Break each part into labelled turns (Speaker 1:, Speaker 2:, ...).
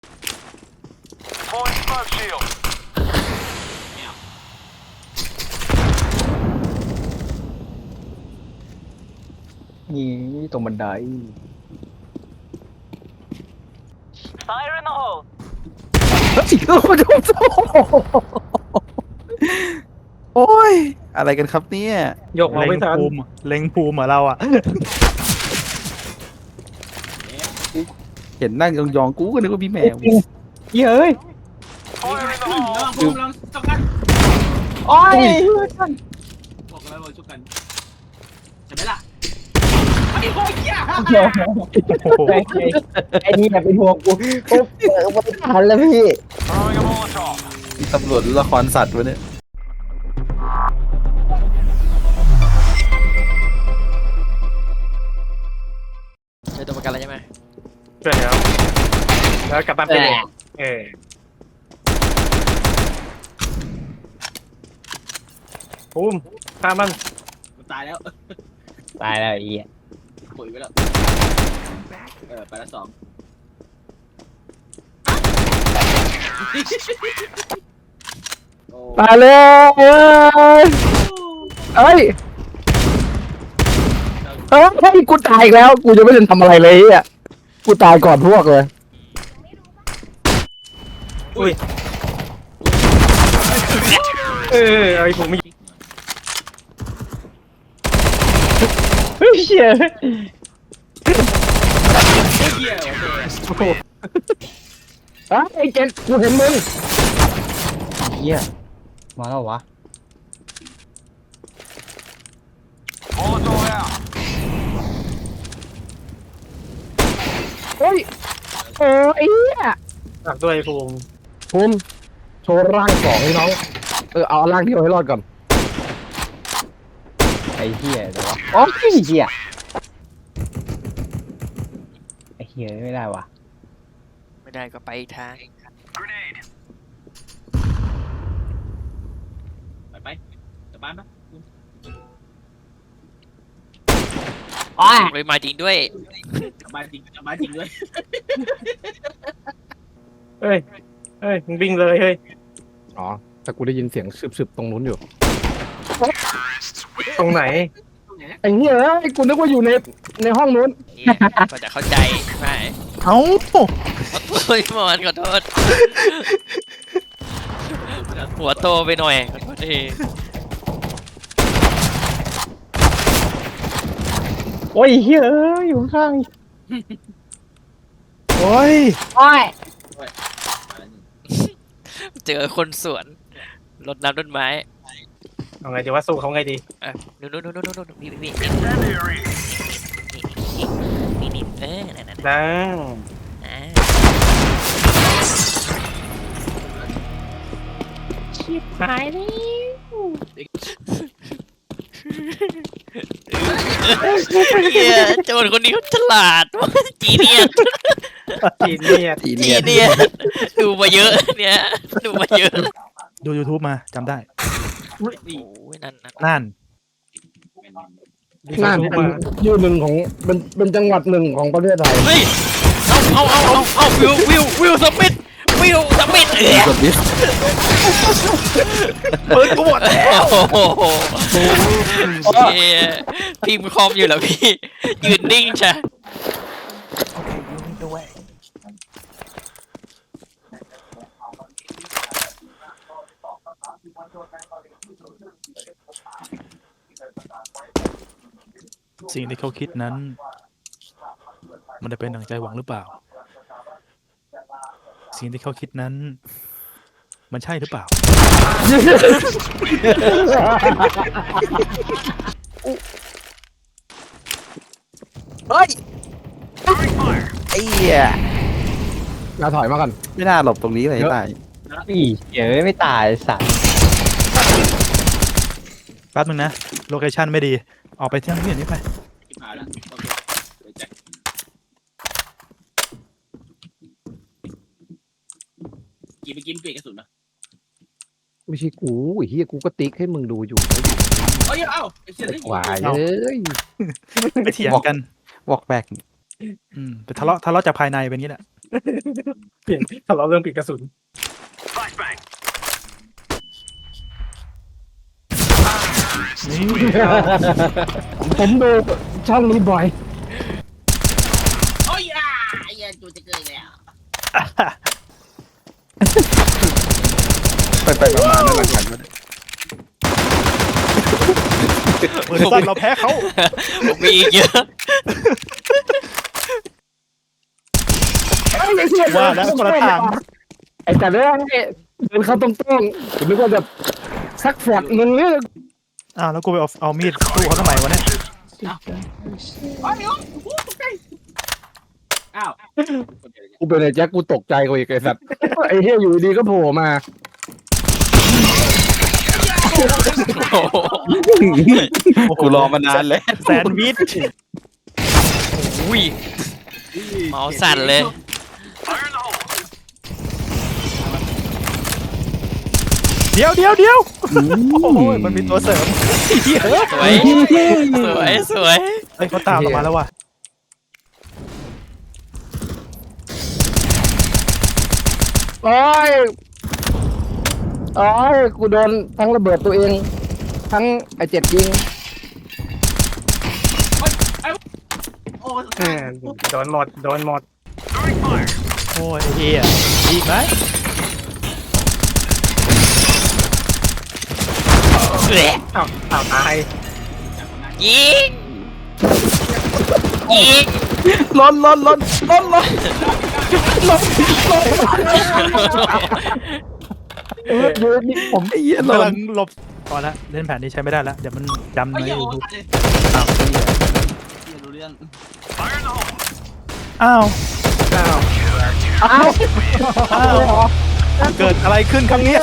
Speaker 1: Deploying smoke shield.
Speaker 2: นี่ตรงบันได
Speaker 3: Fire in the hole.
Speaker 4: โอ้ยอะไรกันครับเนี่ย
Speaker 5: ยกเอาไม่ทัน
Speaker 6: เล็งภูมิเหรอเราอ่ะ
Speaker 4: เห็นนั่งยองๆกูก็นึกว่าพี่แมว
Speaker 2: เย้ย
Speaker 1: Fire in the hole.
Speaker 7: ระวังผมระวังจับกัน
Speaker 2: โอ้ย
Speaker 7: บอกแล้วว่าชุบกันใช่ไหมล่ะไอ้โอ้ยเหี้ย
Speaker 2: ไอ้นี่แบบเป็นห่วงกูปุ๊บไม่ทันแล้วพี่
Speaker 1: Throwing a Molotov.
Speaker 4: นี่ตำรวจหรือละครสัตว์วะเนี่ย
Speaker 8: เจอตัวประกันแล้วใช่ไหม
Speaker 5: ช่วยแล้วกลับบ้านไปเลยภูมิฆ่ามัน
Speaker 7: มันตายแล้ว
Speaker 2: ตายแล้วไอ้เหี้ย
Speaker 7: ปุ๋ยไปแล้วไปละสอง
Speaker 2: ตายเลยเอ้ยเฮ้ยกูตายอีกแล้ว กูจะไม่ทันทำอะไรเลยอ่ะกูตายก่อนพวกเลย
Speaker 5: ไอ้ผมไม่
Speaker 2: เฮ้ยเชี่ย
Speaker 7: เหี้ย
Speaker 2: ไอ้เจนกูเห็นมึงเหี้ยมาแล้ววะ
Speaker 1: Molotov out.
Speaker 2: เฮ้ยไอ้เหี้ย
Speaker 5: ฝากด้วยภูมิ
Speaker 2: ภูมิโชว์ร่างสองให้น้องเอาร่างเดียวให้รอดก่อนไอ้เหี้ยเดี๋ยววะโอ้ยเหี้ยไอ้เหี้ยไม่ได้วะ
Speaker 8: ไม่ได้ก็ไปอีกทาง
Speaker 1: Grenade.
Speaker 7: ไปกลับบ้านปะ
Speaker 8: เลยมาจริงด้วย
Speaker 7: กลับบ้านจริงกลับบ้านจริงด้วย
Speaker 5: เฮ้ยมึงวิ่งเลยเฮ้ย
Speaker 2: อ๋อแต่กูได้ยินเสียงสืบตรงนู้นอยู่
Speaker 5: ตรงไหน
Speaker 2: ไอ้เหี้ยไอ้กูนึกว่าอยู่ในห้องนู้น
Speaker 8: เนี่ยก็จะเข้าใจไหม
Speaker 6: เอ้า
Speaker 8: โอ้ยหมอนขอโทษ หัวโตไปหน่อยขอโทษที
Speaker 2: โอ้ยเหี้ยอยู่ข้าง
Speaker 6: โอ้ย
Speaker 2: โอ้ย
Speaker 8: เจอคนสวนรดน้ำต้นไม้
Speaker 5: เอาไงดีว่าสู้เขาไงดี
Speaker 8: นู่นนี่
Speaker 1: Incendiary.
Speaker 8: นี่นั่น
Speaker 5: นะ
Speaker 8: ชิบหายแล้วเฮียโจรคนนี้เขาฉลาดจีเนียส
Speaker 5: จีเนียส
Speaker 4: ที
Speaker 8: จี
Speaker 4: เนี่ย
Speaker 8: เนียสดูมาเยอะเนี่ยดูมาเยอะ
Speaker 6: ดู YouTube มาจำได้
Speaker 8: โอ้ยนั่น
Speaker 6: นั่น
Speaker 2: น่าเป็นอยู่หนึ่งของเป็นจังหวัดหนึ่งของประเทศไทย
Speaker 8: เฮ้ยเอาวิวสมิธเ
Speaker 4: กดดิส
Speaker 6: ปืนกูหมดแล้ว
Speaker 8: โอ้โหเฮียพิมพ์คอมอยู่เหรอพี่ยืนนิ่งใช่
Speaker 6: สิ่งที่เขาคิดนั้น มันจะเป็นดั่งใจหวังหรือเปล่า สิ่งที่เขาคิดนั้น มันใช่หรือเปล่า
Speaker 4: เฮ้ยไอ้เหี้ย
Speaker 2: เราถอยมาก่อน
Speaker 4: ไม่น่าหลบตรงนี้เลยตาย
Speaker 2: พี่เหี้ยไม่ตายสัตว์
Speaker 6: แป๊บนึงนะ โลเคชั่นไม่ดี ออกไปเที่ยงนี้ไป
Speaker 7: ชิบหายแล้วโอเคเดี๋ยวแจ็คกี่ไปกินเปลี่ยนกระสุนนะ
Speaker 2: ไม่ใช่กูไอ้เหี้ยกูก็ติ๊กให้มึงดูอยู่
Speaker 7: เอ้ยเอ้าไอ้เชี่ย
Speaker 2: ไอ้
Speaker 7: นี่
Speaker 2: ควายเอ้ย
Speaker 6: ไปเถียงกัน
Speaker 4: วอกแบก
Speaker 6: แต่ทะเลาะจากภายในเป็นอย่างนี้แหละ
Speaker 5: เปลี่ยนทะเลาะเรื่องปิดกระสุน
Speaker 1: Flashbang.
Speaker 2: ผมดูช่องนี้บ่อย
Speaker 7: โอ้ยอ่ะไอ้เหี้ยจูจะเกิดแล้ว
Speaker 4: ไปมาๆนั่นหลังกันมาเนี่ย
Speaker 6: มือสั้นเราแพ้เขา
Speaker 8: ผมมีอีกเยอะ
Speaker 6: ว่าแล้วคนละทาง
Speaker 2: ไอ้แต่เรื่องนี้เดินเข้าตรงๆผมนึกว่าแบบซักแฟดมึงเนี่ย
Speaker 6: อ้าวแล้วกูไปเอามีดสู้เขาทำไมวะเนี่ย
Speaker 7: โอ้ยโอ้ยโอ้ยตกใจอ้าว
Speaker 2: กูเป็นไอ้แจ็คกูตกใจกูอีกไอ้สัตว์ไอ้เหี้ยอยู่ดีก็โผล่มา
Speaker 8: โอ้โห
Speaker 4: กูรอมานานแล้ว
Speaker 6: แซนด์วิช
Speaker 8: อุ้ยเมาส์สั่นเลย
Speaker 1: Fire in the hole.
Speaker 6: เดี๋ยวโอ้ยมันมีตัวเสริม
Speaker 8: สวย สวย
Speaker 6: เฮ้ยเขาตามเรามาแล้วว่ะ
Speaker 2: โอ้ยกูโดนทั้งระเบิดตัวเอง ทั้งไอ้เจ็ดยิง
Speaker 7: โอ้ย
Speaker 5: โดนหมด
Speaker 1: Throwing fire.
Speaker 6: โอ้ยไอ้เฮียอีกไหม
Speaker 8: แหละ
Speaker 5: อ้าวตาย
Speaker 8: ยิงยิง
Speaker 4: ล้น
Speaker 2: อยู่นี่ผม
Speaker 4: ไอ้เหี้ย
Speaker 6: กำ
Speaker 4: ล้
Speaker 6: ลั
Speaker 4: น
Speaker 6: งหลบพอละเล่นแผนนี้ใช้ไม่ได้แล้วเดี๋ยวมันจำ
Speaker 7: ไอ้
Speaker 6: ใน
Speaker 7: เหี้ย
Speaker 6: ยู
Speaker 7: โอ้
Speaker 6: ทูบ
Speaker 7: ย
Speaker 4: อ้าว
Speaker 7: เหี้ยรู้เรื่อง
Speaker 1: Fire in the hole.
Speaker 6: อ้าว
Speaker 2: อ้าว
Speaker 6: เกิดอะไรขึ้นครั้งนี้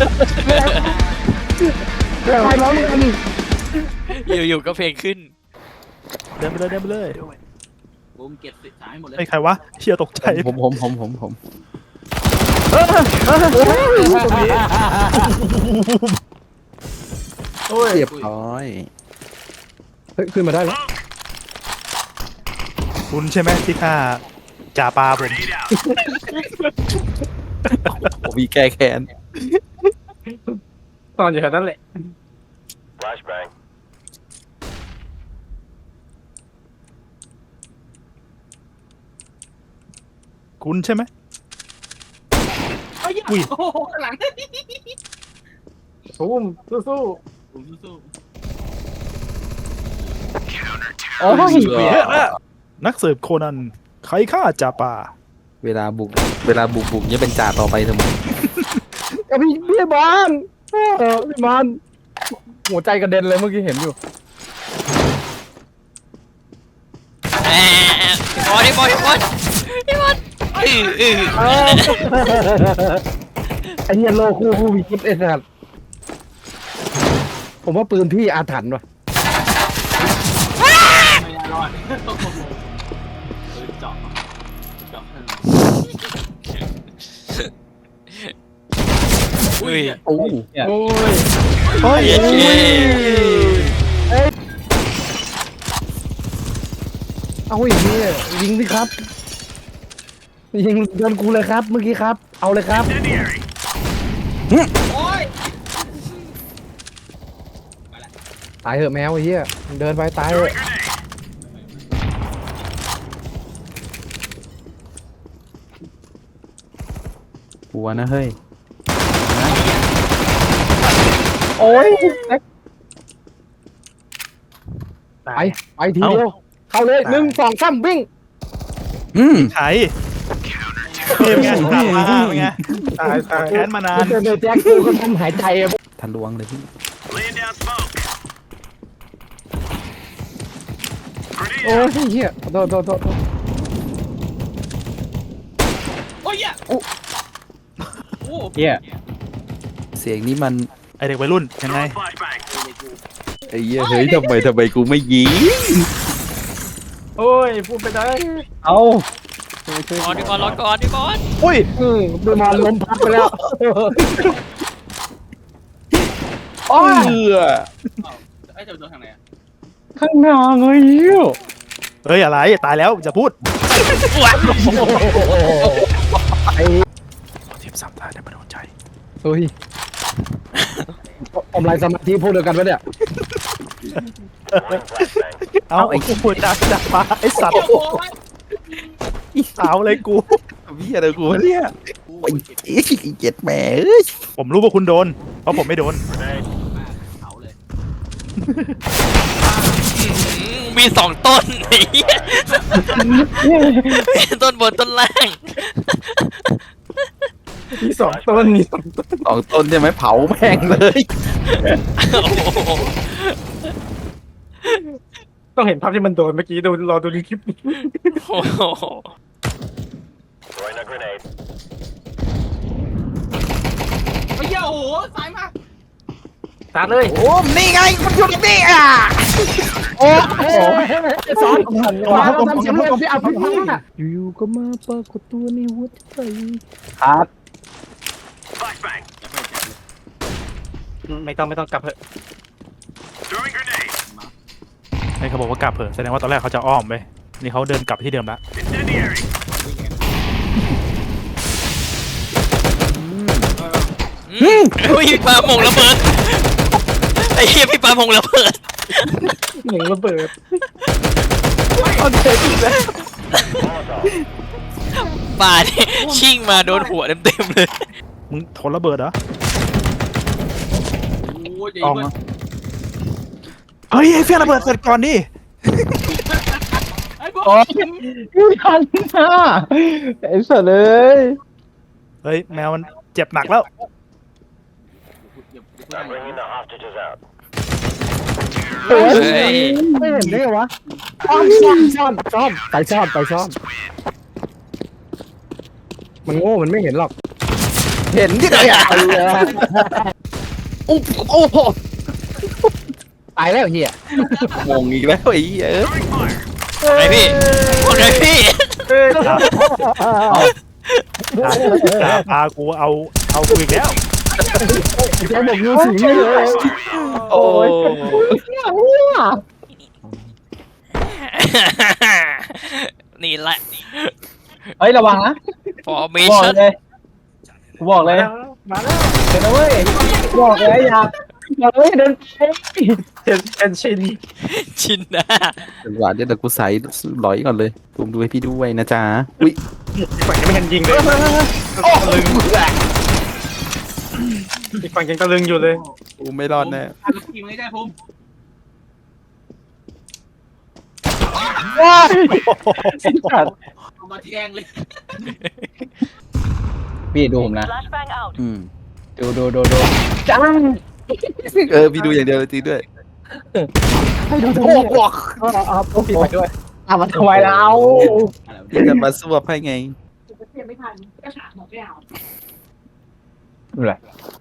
Speaker 2: เรื่องอะไรน้องกัน
Speaker 8: อยู่ๆก็เพลงขึ้น
Speaker 6: เดินไปเลย
Speaker 7: ผมเก็บสิสายให้หมดเลย
Speaker 6: ไอ้ใครวะเชียตกใจ
Speaker 4: ผม
Speaker 5: โอ้ย
Speaker 4: เรียบร้อย
Speaker 2: เฮ้ยขึ้นมาได้แล้ว
Speaker 6: คุณใช่ไหมที่ฆ่าจ่าปลาผม
Speaker 1: Grenade out.
Speaker 4: ผมมีแก้แค้น
Speaker 5: ตอนอยู่แถวนั้นแหละ
Speaker 1: Flashbang.
Speaker 6: คุณใช่ไหม
Speaker 7: ไอ้เหี้ย
Speaker 6: อุ้ย
Speaker 7: โอ้โหข้างหลัง
Speaker 5: สู้สู้
Speaker 7: ผมสู้
Speaker 2: โอ้ย
Speaker 6: นักสืบโคนันใครฆ่าจ่าปลา
Speaker 4: เวลาบุกเนี่ยเป็นจ่าต่อไปเสมอ
Speaker 2: กับพี่บอลพี่บอลหัวใจกระเด็นเลยเมื่อกี้เห็นอยู่
Speaker 8: แหมพี่บอล
Speaker 2: ไอ้เหี้ยโลคู่มีคิดไอ้สัตว์ผมว่าปืนพี่อาถรรพ์ว่ะ
Speaker 7: ไม่น่ารอดโอ้โหเจาะข้างหลัง
Speaker 8: อุ้ย
Speaker 4: โอ้
Speaker 5: โอ้ย
Speaker 6: เฮ้ย
Speaker 8: เย้
Speaker 2: เอาอีกเนี่ยยิงสิครับ ยิงโดนกูเลยครับ เมื่อกี้ครับ เอาเลยครับ
Speaker 1: Incendiary.
Speaker 7: โอ้ย
Speaker 2: ตายเหอะแมวไอ้เหี้ยเดินไปตายเหอะ
Speaker 1: Grenade.
Speaker 4: หัวนะเฮ้ย
Speaker 2: โอ้ยไปทีเดียวเข้าเลย1 2 3วิ่ง
Speaker 6: ใครเป็นไงจ่าปลาเป็นไง
Speaker 5: ตาย
Speaker 6: แค้นมานาน
Speaker 2: เจอแจ็คกูก็ทำหายใจอะ
Speaker 4: ทะลวงเลยพี่
Speaker 1: Laying down smoke.
Speaker 2: โอ้
Speaker 1: Grenade
Speaker 2: ย
Speaker 1: out.
Speaker 2: เหี้ยโทษ
Speaker 7: โอ้ยเหี้ยโอ้โห
Speaker 2: เหี้ย
Speaker 4: เสียงนี้มัน
Speaker 6: ไอเด็กวัยรุ่นยังไง
Speaker 1: Throwing flashbang.
Speaker 4: ไอ้เหี้ยเฮ้ยทำไมกูไม่ยิง
Speaker 5: โอ้ยพูดไปได้
Speaker 2: เอา
Speaker 8: พี่บอลรอก่อนพี่บอล
Speaker 6: อุ้ย
Speaker 2: ดูมาล้มพับไปแล้ว
Speaker 4: เออ
Speaker 7: ไอ้เจ้าโดนทางไหนอะ
Speaker 2: ข้างหน้าเงยเหี้ย
Speaker 6: เฮ้ยอะไรตายแล้วจะพูด
Speaker 2: โอ้โหไอ้
Speaker 6: เทียบสามตาได้มาโดนใจ
Speaker 2: เฮ้ยอมลายสมาธิพวกเดียวกันปะเนี่ย
Speaker 6: เอาไอ้กูพูดจากมาไอ้สัตว์
Speaker 7: โอ้ย
Speaker 6: อีสาวเลยกู
Speaker 4: พี่อะไรกูวะเนี่ยโอ้ยเจ็ดแหม่เอ้ย
Speaker 6: ผมรู้ว่าคุณโดน เพราะผมไม่โดน
Speaker 7: เขาเลย
Speaker 8: มีสองต้น ไอ้เหี้ยต้นบนต้นล่าง
Speaker 5: มีสองต้นมีสองต้น
Speaker 4: สองต้นใช่ไหมเผาแม่งเลย
Speaker 8: โอ้โห
Speaker 5: ต้องเห็นภาพที่มันโดนเมื่อกี้ดูรอดูในคลิป
Speaker 8: โอ้โห
Speaker 1: Throwing a grenade.
Speaker 7: ไอ้เหี้ยโอ้โหสายมาก
Speaker 5: ตาเลย
Speaker 4: โอ้นี่ไงมันอยู่นี่อ่ะ
Speaker 2: โอ้โหสอนมาทำสำเร็จที่อัพพาอยู่ๆก็มาปรากฏตัวในหัวใจครับ
Speaker 1: Flashbang.
Speaker 5: ไม่ต้องกลับเถอะ
Speaker 1: Throwing grenade.
Speaker 6: ไอ้เขาบอกว่ากลับเถอะแสดงว่าตอนแรกเขาจะอ้อมไปนี่เขาเดินกลับที่เดิมละ
Speaker 1: Incendiary.
Speaker 8: พี่ปาหมงระเบิดไอ้เหี้ยพี่ปาหมงระเบิด
Speaker 5: หนึ่งระเบิด
Speaker 8: ป่าเนี่ยชิ่งมาโดนหัวเต็มๆเลย
Speaker 6: มึงทนระเบิดเหรอ
Speaker 7: โอ้ยใหญ่
Speaker 6: ออก
Speaker 7: เว้ย
Speaker 6: มาเฮ้ยไอ้เฟี้ยงระเบิดเสร็จก่อนดิ
Speaker 7: ไอ้พวก
Speaker 2: โอ้ยไม่ทันนะไอ้สัตว์เลย
Speaker 6: เฮ้ยแมวมันเจ็บหนักแล้ว
Speaker 1: I'm bringing the hostages out.
Speaker 2: โอ้ย
Speaker 8: เฮ้ย
Speaker 2: ไม่เห็นได้ไงวะซ่อมไปซ่อมมันโง่มันไม่เห็นหรอก
Speaker 4: เห็นที่ไหนอ่ะ
Speaker 2: โอ้โหตายแล้วเฮีย
Speaker 4: งงอีกแล้วไอ้เหี้ยเอ้ย
Speaker 1: Throwing fire.
Speaker 8: ไอพี่คนไหนพี่
Speaker 6: จ่าพากูเอากูอีกแล้ว
Speaker 2: แกบอกยูสิงเลย
Speaker 4: โอ้ย
Speaker 8: นี่แหละ
Speaker 2: เฮ้ยระวังนะ
Speaker 8: formation
Speaker 2: บอกเลย
Speaker 5: มาแล้ว
Speaker 2: เดี๋ยวนะเว้ยบอกเลยอย่าบอกเลยเดินไป
Speaker 5: เห็นชิน
Speaker 8: ชินนะ
Speaker 4: หวานเดี๋ยวกูใส่ร้อยก่อนเลยซูมดูให้พี่ด้วยนะจ๊ะอุ้ย
Speaker 5: อีกฝั่งยังไม่ทันยิงเลยตะลึงอีกฝั่งยังตะลึงอยู่เลย
Speaker 4: กูไม่รอดแน่
Speaker 7: ทำทีมไม่ได้ผม
Speaker 2: ว้าย
Speaker 5: สิ้นขาด
Speaker 7: เอามาแทงเลย
Speaker 2: พี่ดูผมนะ
Speaker 3: Flashbang out.
Speaker 4: อืม
Speaker 2: ดูจัง
Speaker 4: พี่ดูอย่างเดียวเลยจริงด้วย
Speaker 2: ให้ดูทั้งหมดเอาพี่ไปด้วยมันทำไมเรา
Speaker 4: พี่จะมาสวบให้ไง
Speaker 3: เปลี่ยนไม่ทันก็ฉากหมดไม่เอา
Speaker 2: อะไร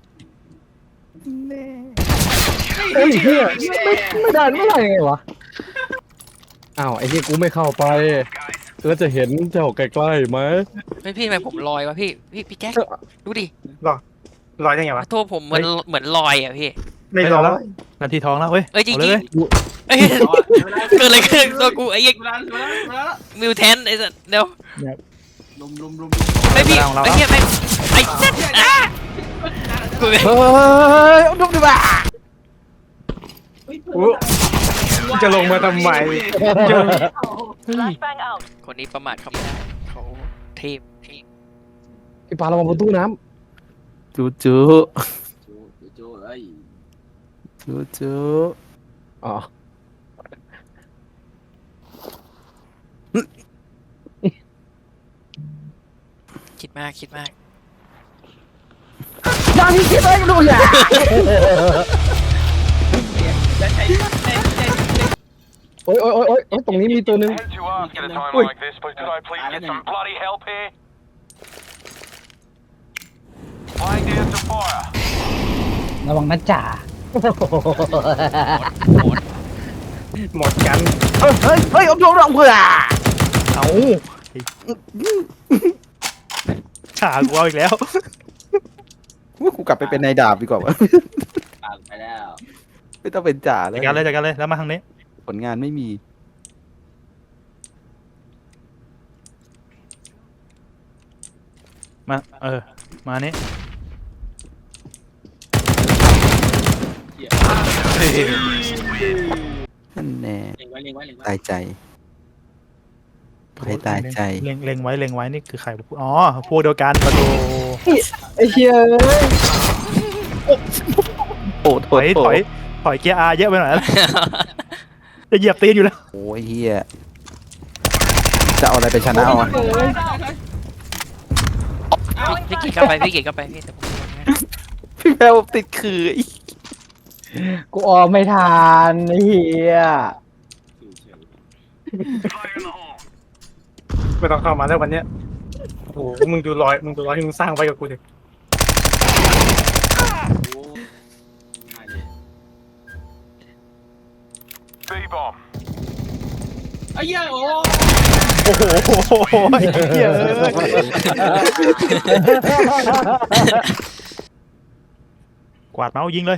Speaker 2: เฮ้ยเฮียไม่ได้ไม่ได้ยังไงวะอ้าวไอ้เฮียกูไม่เข้าไปแล้วจะเห็นเจ้าใกล้ๆไหม
Speaker 8: ไม่พี่ทำไมผมลอยวะพี่แจ๊คดูดิ
Speaker 5: ลอยได้ไงวะ
Speaker 8: โทษผมเหมือนลอยอ่ะพี่
Speaker 5: ไม่ลอย
Speaker 6: นาทีทองแล้วเว้ย
Speaker 8: เอ้ยจริง
Speaker 6: อาเลย
Speaker 8: ๆเอ้ยเกิดอะไรขึ้นตัวกูไอ้เหี้ย
Speaker 7: เวลาแล้ว
Speaker 8: มิวแทนไอ้สัสเดี๋ยว
Speaker 7: ลุม
Speaker 8: ไม่พี่ไอ้เหี้ยไม่ไอ้สัสอ่ะกู
Speaker 4: เฮ้ยดูดิบ้า
Speaker 5: จะลงมาทำไม
Speaker 3: Flashbang out.
Speaker 8: คนนี้ประมาทเขาไม่ได้เขาเทพ
Speaker 2: พี่ปาระวังประตูน้
Speaker 4: จูจู
Speaker 7: จูเอ้ย
Speaker 4: จูจู
Speaker 2: ำอ๋อ
Speaker 8: คิดมาก
Speaker 2: ยังมีคิดอะไรดูอย่าโอ้ยตรงนี้มีตัวนึง
Speaker 1: Hate to ask at a time
Speaker 5: Ui.
Speaker 1: like this, but could I please get some bloody help here? Laying down some fire.
Speaker 2: ระวังนะจ่า
Speaker 5: หมดกัน
Speaker 4: เฮ้ยเอาดูเราเผื่อ
Speaker 6: เอาฉากกูเอาอีกแล้ว
Speaker 4: กูกลับไปเป็นนายดาบดีกว่าวะ
Speaker 7: ไปแล้ว
Speaker 4: ไม่ต้องเป็นจ่าแล้ว
Speaker 6: จัดการเลยแล้วมาทางนี้
Speaker 4: ผลงานไม่มี
Speaker 6: มามานี่
Speaker 4: นั่นแน่
Speaker 7: เล็งไว้เล็งไว้เล็งไว้
Speaker 4: ตายใจให้ตายใจ
Speaker 6: เล็งไว้นี่คือใครอ๋อพวกเดียวกันประตู
Speaker 2: ไอ้เหี้ย
Speaker 4: โอ้โห
Speaker 6: ถอยเกียร์ R เยอะไปหน่อยนะ จะเหยียบตีนอยู่แล้ว
Speaker 4: โอ้ยเฮียจะเอาอะไรไปชนะเอาอะ
Speaker 8: พี่กินเข้าไปพี่แต่ผม
Speaker 4: พี่แมวติดคือไอ้
Speaker 2: กูออกไม่ทันไอ้เหี้ย
Speaker 5: ไม่ต้องเข้ามาแล้ววันเนี้ยโอ้โหมึงดูรอยที่มึงสร้างไว้กับกูดิ
Speaker 7: ง่ายเลย
Speaker 1: B-bomb.
Speaker 7: ไอ้เหี้ยโอ้
Speaker 6: โอ้โหไอ้เหี้ยกวาดเมาส์ยิงเลย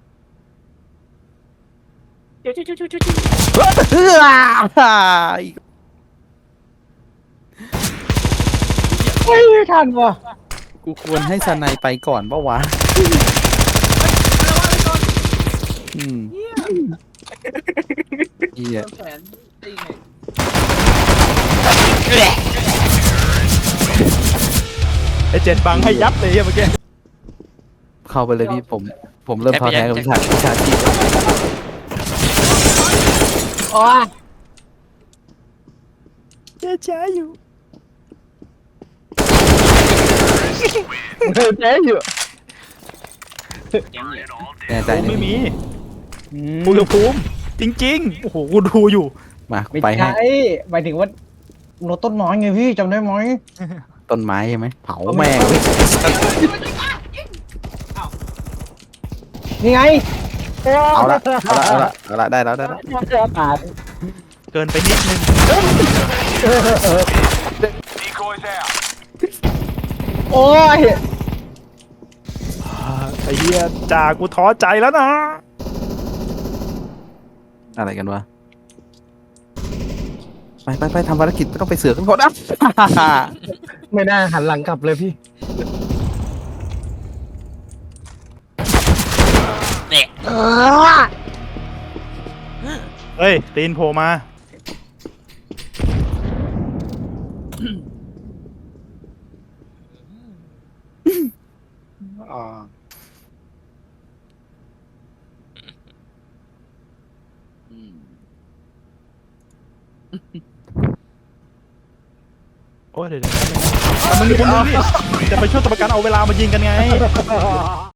Speaker 2: ไม่ทันว่ะ
Speaker 4: กูควรให้สไนไปก่อนปะวะอืมเฮีย
Speaker 7: แขนตีไง
Speaker 6: ไอ้เจ็ดบังให้ยับเลยเมื่อกี้
Speaker 4: เข้าไปเลยพี่ผมเริ่มท้อแท้กับวิชาชีพ
Speaker 2: อ๋อ
Speaker 6: ช้าอยู่
Speaker 2: เจ๊อยู่
Speaker 7: แกงเหลี่ยม
Speaker 4: แน่ใจ
Speaker 6: กู
Speaker 4: นะ
Speaker 6: ไม่มีอุณหภูมิจริงๆโอ้โหกูดูอยู่
Speaker 4: มา
Speaker 2: ไม่
Speaker 4: ไปให้
Speaker 2: ใช่หมายถึงว่าโนต้นไม้ไงพี่จำได้ไหม
Speaker 4: ต้นไม้ใช่ไหมเผาแม่งเลย
Speaker 2: นี่ไง
Speaker 4: เอาละได้แล้ว
Speaker 2: ขาด
Speaker 6: เกินไปนิดนึง
Speaker 1: Decoys out.
Speaker 2: โอ้ย
Speaker 6: ไอ้เหี้ยจ่ากูท้อใจแล้วนะ
Speaker 4: อะไรกันวะไปทำภารกิจไม่ต้องไปเสือกกันก่อนนะ
Speaker 2: ไม่น่าหันหลังกลับเลยพี่
Speaker 8: เนี่ย
Speaker 6: เฮ้ยตีนโผล่มา
Speaker 5: อ๋อ
Speaker 6: โอ้ยเดี๋ยวมันมีคนนึงพี่จะไปช่วยตัวประกันเอาเวลามายิงกันไง